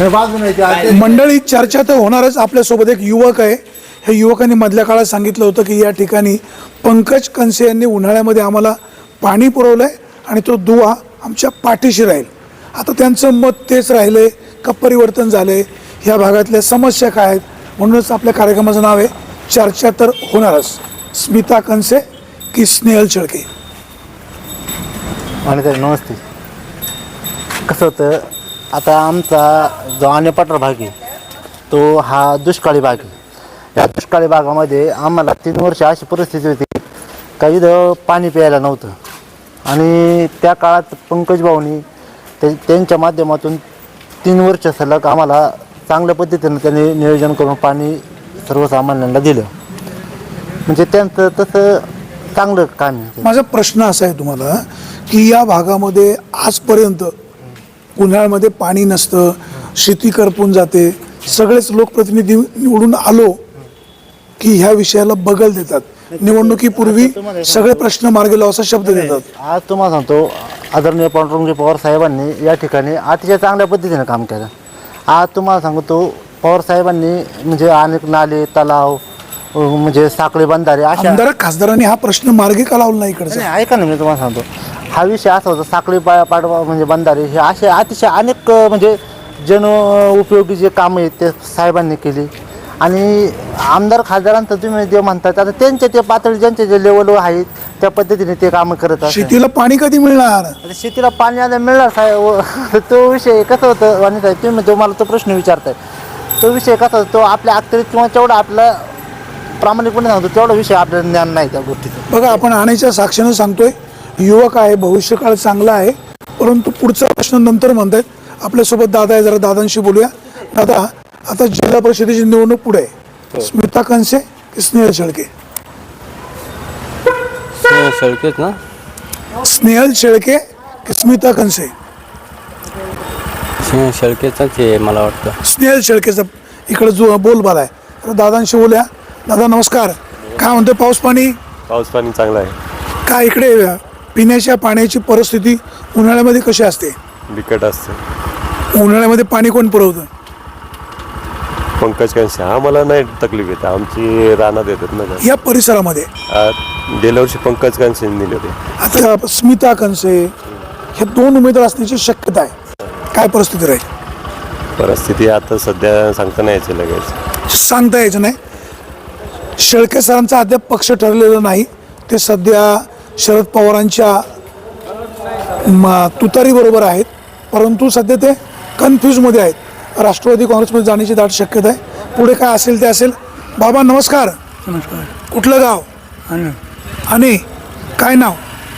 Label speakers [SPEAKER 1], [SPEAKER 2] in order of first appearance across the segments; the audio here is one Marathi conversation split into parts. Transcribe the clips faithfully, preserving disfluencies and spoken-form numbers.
[SPEAKER 1] मंडळी चर्चा तर होणारच. आपल्यासोबत एक युवक आहे. हे युवकांनी मधल्या काळात सांगितलं होतं की या ठिकाणी पंकज कनसे यांनी उन्हाळ्यामध्ये आम्हाला पाणी पुरवलं आहे आणि तो दुवा आमच्या पाठीशी राहील. आता त्यांचं मत तेच राहिलं आहे का परिवर्तन झालं आहे, ह्या भागातल्या समस्या काय आहेत, म्हणूनच आपल्या कार्यक्रमाचं नाव आहे चर्चा तर होणारच. स्मिता कनसे की स्नेहल शेळके.
[SPEAKER 2] आणि तर नमस्ते. कसं होतं, आता आमचा जो अन्नपठार भाग आहे तो हा दुष्काळी भाग आहे. या दुष्काळी भागामध्ये आम्हाला तीन वर्ष अशी परिस्थिती होती का इथं पाणी प्यायला नव्हतं. आणि त्या काळात पंकज भाऊनी ते त्यांच्या माध्यमातून तीन वर्ष सलग आम्हाला चांगल्या पद्धतीनं त्यांनी नियोजन करून पाणी सर्वसामान्यांना दिलं. म्हणजे त्यांचं तसं चांगलं काम आहे.
[SPEAKER 1] माझा प्रश्न असा आहे तुम्हाला की या भागामध्ये आजपर्यंत उन्हाळ्यामध्ये पाणी नसतं, शेती करपून जाते, सगळेच लोकप्रतिनिधी निवडून आलो की ह्या विषयाला बगल देतात. निवडणुकीपूर्वी सगळे प्रश्न मार्गी लावा असा शब्द देतात.
[SPEAKER 2] आज तुम्हाला सांगतो, आदरणीय पांडुरंग पवार साहेबांनी या ठिकाणी अतिशय चांगल्या पद्धतीनं काम केलं. आज तुम्हाला सांगतो, पवार साहेबांनी म्हणजे अनेक नाले, तलाव, म्हणजे साखळी बंधारे अशा
[SPEAKER 1] आमदार खासदारांनी हा प्रश्न मार्गी का लावला नाही इकडचा?
[SPEAKER 2] नाही, ऐका ना, मी तुम्हाला सांगतो, हा विषय असा होता, साखळी पा पाडवा म्हणजे बंधारे हे असे अतिशय अनेक म्हणजे जन उपयोगी जे कामं आहेत ते साहेबांनी केली. आणि आमदार खासदारांचं तुम्ही जे म्हणतात, आता त्यांच्या ते पातळी ज्यांच्या जे लेवलवर आहेत त्या पद्धतीने ते कामं करत असतात.
[SPEAKER 1] शेतीला पाणी कधी मिळणार?
[SPEAKER 2] आता शेतीला पाणी आता मिळणार साहेब, तो विषय कसं होतं वाणी साहेब, तुम्ही तुम्हाला तो प्रश्न विचारताय, तो विषय कसा होतो, तो आपल्या अखत्यारीत किंवा तेवढा आपला प्रामाणिकपणे सांगतो तेवढा विषय आपल्याला ज्ञान नाही त्या गोष्टीचं.
[SPEAKER 1] बघा, आपण आणायच्या साक्षीनं सांगतोय, युवक आहे, भविष्यकाळ चांगला आहे, परंतु पुढचा प्रश्न नंतर म्हणतायत. आपल्यासोबत दादा आहे, जरा दादांशी बोलूया. दादा, आता जिल्हा परिषदेची निवडणूक पुढे आहे. स्मिता कनसे की स्नेहल शेळके?
[SPEAKER 3] स्नेहल शेळकेच ना.
[SPEAKER 1] स्नेहल शेळके की स्मिता कनसे?
[SPEAKER 3] स्नेहल शेळकेच आहे मला वाटतं.
[SPEAKER 1] स्नेहल शेळकेचा इकडे जो बोलबाला आहे. तर दादांशी बोलूया. दादा नमस्कार. काय म्हणतोय पाऊस पाणी?
[SPEAKER 4] पाऊस पाणी चांगला आहे.
[SPEAKER 1] काय इकडे पिण्याच्या पाण्याची परिस्थिती उन्हाळ्यामध्ये कशी असते?
[SPEAKER 4] बिकट असते.
[SPEAKER 1] उन्हाळ्यामध्ये पाणी कोण पुरवतं?
[SPEAKER 4] पंकज कनसे. आम्हाला नाही तकलीफ येते, आमची रानात येतात ना.
[SPEAKER 1] या परिसरामध्ये
[SPEAKER 4] आ, गेल्या वर्षी पंकज कनसे दिले होते.
[SPEAKER 1] आता स्मिता कनसे हे दोन उमेदवार असण्याची शक्यता आहे. काय परिस्थिती राहील?
[SPEAKER 4] परिस्थिती आता सध्या सांगता नाही यायची लगेच.
[SPEAKER 1] सांगता यायचं नाही. शेळके सरांचा अद्याप पक्ष ठरलेला नाही. ते सध्या शरद पवारांच्या तुतारी बरोबर आहेत, परंतु सध्या ते कन्फ्यूजमध्ये आहेत. राष्ट्रवादी काँग्रेसमध्ये जाण्याची दाट शक्यता आहे. पुढे काय असेल ते असेल. बाबा नमस्कार.
[SPEAKER 5] नमस्कार.
[SPEAKER 1] कुठलं गाव?
[SPEAKER 5] आणि
[SPEAKER 1] आणि काय नाव?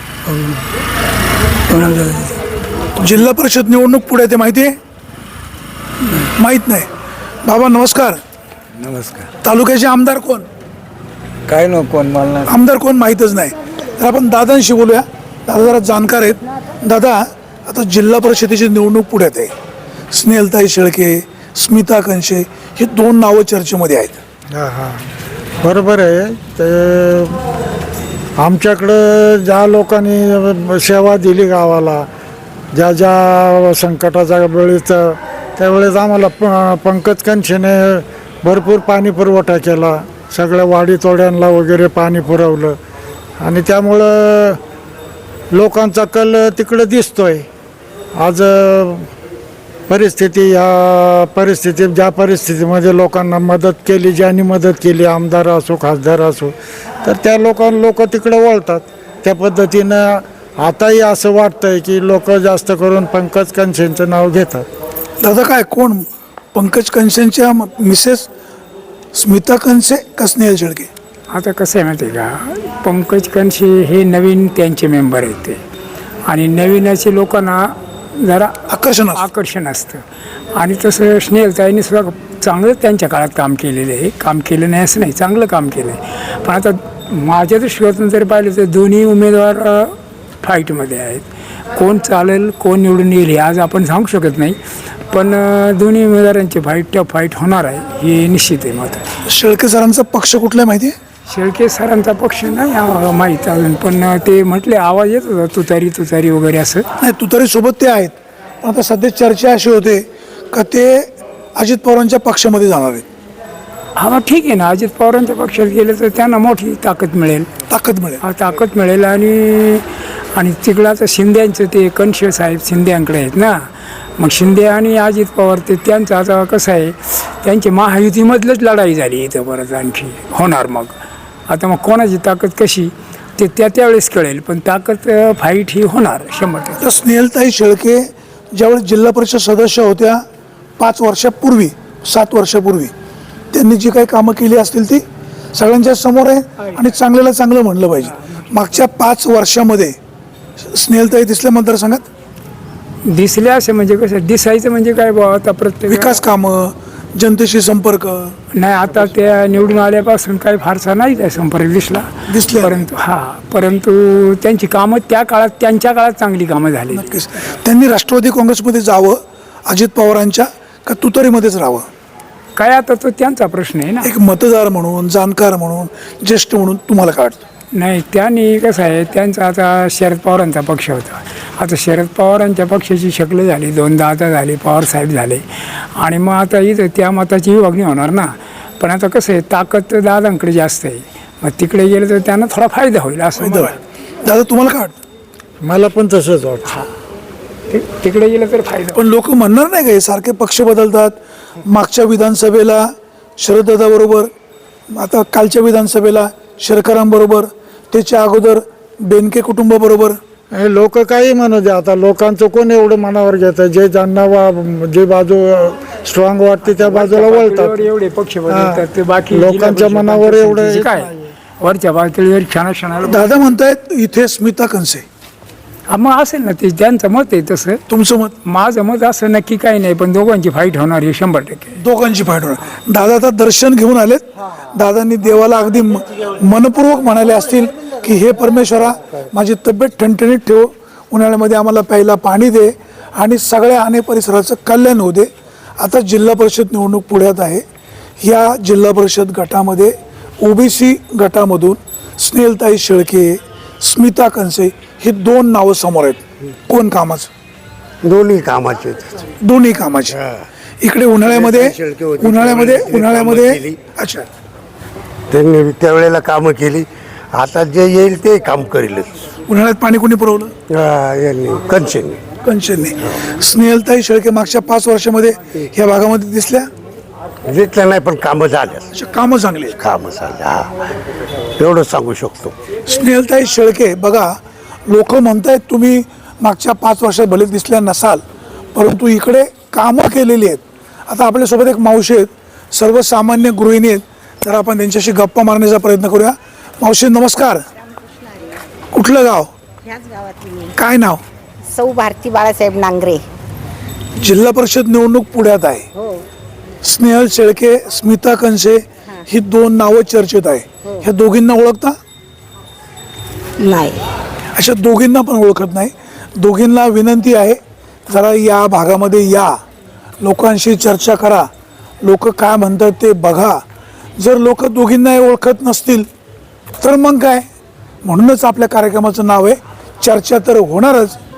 [SPEAKER 1] जिल्हा परिषद निवडणूक पुढे ते माहिती आहे? माहीत नाही. बाबा नमस्कार.
[SPEAKER 5] नमस्कार.
[SPEAKER 1] तालुक्याचे आमदार कोण?
[SPEAKER 5] काय नको कोण मला
[SPEAKER 1] आमदार कोण माहीतच नाही. तर आपण दादांशी बोलूया. दादा जरा जाणकार आहेत. दादा, आता जिल्हा परिषदेची निवडणूक पुढ्यात आहे. स्नेहलताई शेळके, स्मिता कनसे हे दोन नावं चर्चेमध्ये आहेत.
[SPEAKER 6] हां हां बरोबर आहे. ते आमच्याकडं ज्या लोकांनी सेवा दिली गावाला, ज्या ज्या संकटाच्या वेळेस त्यावेळेस आम्हाला प पंकज कनसेने भरपूर पाणी पुरवठा केला. सगळ्या वाडी तोड्यांना वगैरे पाणी पुरवलं आणि त्यामुळं लोकांचा कल तिकडं दिसतोय. आज परिस्थिती या परिस्थितीत ज्या परिस्थितीमध्ये लोकांना मदत केली, ज्यांनी मदत केली, आमदार असो खासदार असो, तर त्या लोकां लोक तिकडं वळतात. त्या पद्धतीनं आताही असं वाटतंय की लोक जास्त करून पंकज कनसेंचं नाव घेतात.
[SPEAKER 1] दादा, काय कोण पंकज कनसेंच्या मिसेस स्मिता कनसे का स्नेहल शेळके?
[SPEAKER 5] आता कसं आहे माहिती आहे का, पंकज कनसे हे नवीन त्यांचे मेंबर आहेत ते, आणि नवीनाचे लोकांना जरा
[SPEAKER 1] आकर्षण असतं.
[SPEAKER 5] आकर्षण असतं. आणि तसं स्नेहलताईंनी सुद्धा चांगलं त्यांच्या काळात काम केलेलं आहे. काम केलं नाही असं नाही, चांगलं काम केलं आहे. पण आता माझ्या दृष्टीतून जर पाहिलं तर दोन्ही उमेदवार फाईटमध्ये आहेत. कोण चालेल, कोण निवडून येईल हे आज आपण सांगू शकत नाही, पण दोन्ही उमेदवारांची फाईट त्या फाईट होणार आहे हे निश्चित आहे. मात्र
[SPEAKER 1] शेळके सरांचा पक्ष कुठला माहिती आहे?
[SPEAKER 5] शेळके सरांचा पक्ष नाही आम्हाला माहीत अजून, पण ते म्हटले आवाज येत होता तुतारी तुतारी वगैरे असं.
[SPEAKER 1] नाही, तुतारी सोबत ते आहेत. पण आता सध्या चर्चा अशी होते का ते अजित पवारांच्या पक्षामध्ये जाणार आहेत,
[SPEAKER 5] हा मग ठीक आहे ना, अजित पवारांच्या पक्षात गेले तर त्यांना मोठी ताकद मिळेल.
[SPEAKER 1] ताकद मिळेल.
[SPEAKER 5] हा ताकद मिळेल. आणि आणि तिकडं आता शिंद्यांचं ते कणशे साहेब शिंद्यांकडे आहेत ना, मग शिंदे आणि अजित पवार ते त्यांचं आता कसं आहे, त्यांची महायुतीमधलंच लढाई झाली इथं परत आणखी होणार. मग आता मग कोणाची ताकद कशी ते त्या त्यावेळेस कळेल, पण ताकद फाईट ही होणार शंभर टक्के.
[SPEAKER 1] तर स्नेहलताई शेळके ज्यावेळेस जिल्हा परिषद सदस्य होत्या पाच वर्षापूर्वी सात वर्षापूर्वी त्यांनी जी काही कामं केली असतील ती सगळ्यांच्या समोर आहे आणि चांगल्याला चांगलं म्हणलं पाहिजे. मागच्या पाच वर्षामध्ये स्नेहलताई दिसल्या मतदारसंघात
[SPEAKER 5] दिसले असे म्हणजे कसं दिसायचं म्हणजे काय बुवा, आता प्रत्येक
[SPEAKER 1] विकास कामं, जनतेशी संपर्क
[SPEAKER 5] नाही, आता त्या निवडून आल्यापासून काही फारसा नाही त्या संपर्क दिसला
[SPEAKER 1] दिसले.
[SPEAKER 5] परंतु हा परंतु त्यांची कामं त्या काळात त्यांच्या काळात चांगली कामं झाली.
[SPEAKER 1] नक्कीच त्यांनी राष्ट्रवादी काँग्रेसमध्ये जावं अजित पवारांच्या का तुतारीमध्येच राहावं,
[SPEAKER 5] काय आता तो त्यांचा प्रश्न आहे ना.
[SPEAKER 1] एक मतदार म्हणून, जाणकार म्हणून, ज्येष्ठ म्हणून तुम्हाला काय वाटतं?
[SPEAKER 5] नाही, त्यांनी कसं आहे, त्यांचा आता शरद पवारांचा पक्ष होता. आता शरद पवारांच्या पक्षाची शक्ल झाली, दोनदा आता झाले, पवार साहेब झाले, आणि मग आता इथं त्या मताची विभागणी होणार ना. पण आता कसं आहे, ताकद तर दादांकडे जास्त आहे, मग तिकडे गेलं तर त्यांना थोडा फायदा होईल असं मला वाटतं.
[SPEAKER 1] दादा तुम्हाला काय वाटतं?
[SPEAKER 6] मला पण तसंच वाटतं.
[SPEAKER 5] ति- तिकडे गेलं तर फायदा.
[SPEAKER 1] पण लोक म्हणणार नाही का हे सारखे पक्ष बदलतात. मागच्या विधानसभेला शरददादाबरोबर, आता कालच्या विधानसभेला शरकरांबरोबर, त्याच्या अगोदर बेनके कुटुंबाबरोबर.
[SPEAKER 6] हे लोक काही म्हणू दे, आता लोकांचं कोण एवढं मनावर घेतं? जे ज्यांना वा जे बाजू स्ट्रॉंग वाटते त्या बाजूला वळतात.
[SPEAKER 5] पातळीवर एवढे पक्ष बदलतात, ते बाकी
[SPEAKER 6] लोकांच्या
[SPEAKER 5] जिल्हा परिषद
[SPEAKER 6] मनावर
[SPEAKER 5] पंचायत
[SPEAKER 6] एवढं
[SPEAKER 5] समितीचे काय वरच्या पातळीवर क्षणा क्षणाला
[SPEAKER 1] दादा म्हणतायत इथे स्मिता कंसे.
[SPEAKER 5] हा, मग असेल ना, ते त्यांचं मत आहे तसं.
[SPEAKER 1] तुमचं मत?
[SPEAKER 5] माझं मत असं नक्की काही नाही, पण दोघांची फाईट होणार हे शंभर टक्के.
[SPEAKER 1] दोघांची फाईट होणार. दादा आता दर्शन घेऊन आलेत. दादांनी देवाला अगदी म- मनपूर्वक म्हणाले असतील की हे परमेश्वरा, माझी तब्येत ठणठणीत ठेव, उन्हाळ्यामध्ये आम्हाला प्यायला पाणी दे आणि सगळ्या आणे परिसराचं कल्याण होऊ दे. आता जिल्हा परिषद निवडणूक पुढ्यात आहे. या जिल्हा परिषद गटामध्ये ओबीसी गटामधून स्नेहलताई शेळके, स्मिता कंसे ही दोन नावं समोर आहेत. कोण कामाचं?
[SPEAKER 7] दोन्ही कामाचे
[SPEAKER 1] दोन्ही कामाचे. इकडे उन्हाळ्यामध्ये
[SPEAKER 7] शेळके होते,
[SPEAKER 1] उन्हाळ्यामध्ये
[SPEAKER 7] त्यावेळेस
[SPEAKER 1] उन्हाळ्यामध्ये
[SPEAKER 7] कामं केली.
[SPEAKER 1] अच्छा,
[SPEAKER 7] त्यांनी त्यावेळेला कामं केली. आता जे येईल ते काम करीलच.
[SPEAKER 1] उन्हाळ्यात पाणी कोणी पुरवलं?
[SPEAKER 7] हा, यांनी कंचननी
[SPEAKER 1] कंचनने. स्नेहलताई शेळके मागच्या पाच वर्षामध्ये ह्या भागामध्ये दिसल्या.
[SPEAKER 7] घेतलं नाही, पण कामं झाल्या.
[SPEAKER 1] अच्छा, कामं चांगली आहेत.
[SPEAKER 7] कामं झाल्या, हा एवढं सांगू शकतो.
[SPEAKER 1] स्नेहलताई शेळके बघा, लोक म्हणतायत तुम्ही मागच्या पाच वर्षात भले दिसल्या नसाल, परंतु इकडे कामं केलेली आहेत. आता आपल्यासोबत एक मावशी आहेत, सर्वसामान्य गृहिणी आहेत, तर आपण त्यांच्याशी गप्पा मारण्याचा प्रयत्न करूया. मावशी नमस्कार. कुठलं गाव?
[SPEAKER 8] ह्याच गावातली मी.
[SPEAKER 1] काय नाव?
[SPEAKER 8] सौ भारती बाळासाहेब नांगरे.
[SPEAKER 1] जिल्हा परिषद निवडणूक पुढ्यात आहे.
[SPEAKER 8] हो.
[SPEAKER 1] स्नेहल शेळके, स्मिता कंसे ही दोन नावं चर्चेत आहे. ह्या दोघींना ओळखता?
[SPEAKER 8] नाही.
[SPEAKER 1] अशा दोघींना पण ओळखत नाही. दोघींना विनंती आहे, जरा या भागामध्ये या, लोकांशी चर्चा करा, लोक काय म्हणतात ते बघा. जर लोक दोघींना ओळखत नसतील तर मग काय? म्हणूनच आपल्या कार्यक्रमाचं नाव आहे चर्चा तर होणारच,